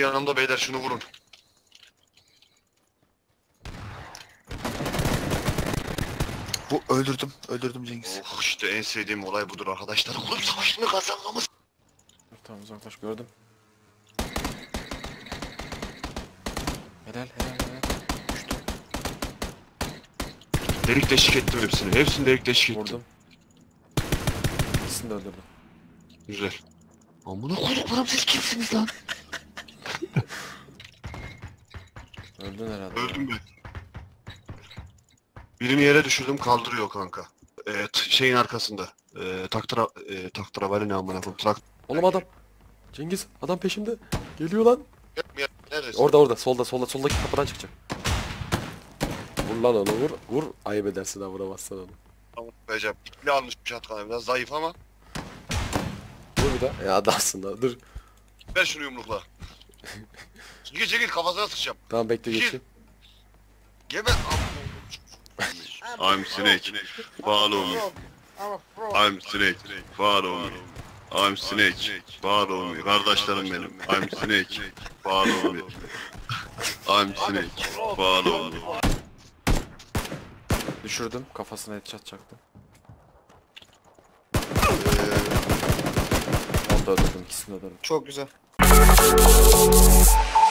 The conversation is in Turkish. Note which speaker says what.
Speaker 1: yanımda beyler, şunu vurun.
Speaker 2: Öldürdüm Cengiz.
Speaker 1: Oh işte en sevdiğim olay budur arkadaşlar. Kulüp savaşını kazanmamız.
Speaker 3: Tamam uzaklaş, gördüm. Helal. Düştü.
Speaker 1: Delik deşik ettim hepsini. Hepsini delik deşik ettim.
Speaker 3: Vurdum. İkisini de öldürdüm.
Speaker 1: Güzel. Amına koyduklarım, siz kimsiniz lan?
Speaker 3: Öldün herhalde.
Speaker 1: Öldüm ben. Birini yere düşürdüm, kaldırıyor kanka. Şeyin arkasında. Taktıravali ne amına koyayım.
Speaker 3: Oğlum adam. Cengiz adam peşimde. Geliyor lan.
Speaker 1: Neredesin?
Speaker 3: Orada soldaki kapıdan çıkacak. Vur lan onu, vur. Ayıp edersin ha, vuramazsan onu.
Speaker 1: Tamam Recep. İkili almış bir şatkanı, biraz zayıf ama.
Speaker 3: Vur bir daha. Ya adamsın lan, dur.
Speaker 1: Ver şunu yumrukla. Çekil kafasına sıkacağım.
Speaker 3: Tamam bekle, geçeyim.
Speaker 1: Geber. I'm Snake. Follow me. I'm Snake. Follow me. I'm Snake. Follow me. Kardeşlerim benim. I'm Snake. Follow me. I'm Snake. Follow me.
Speaker 3: Düşürdüm, kafasına headshot çaktım. Onu da öldürdüm, ikisini de öldürdüm.
Speaker 2: Çok güzel.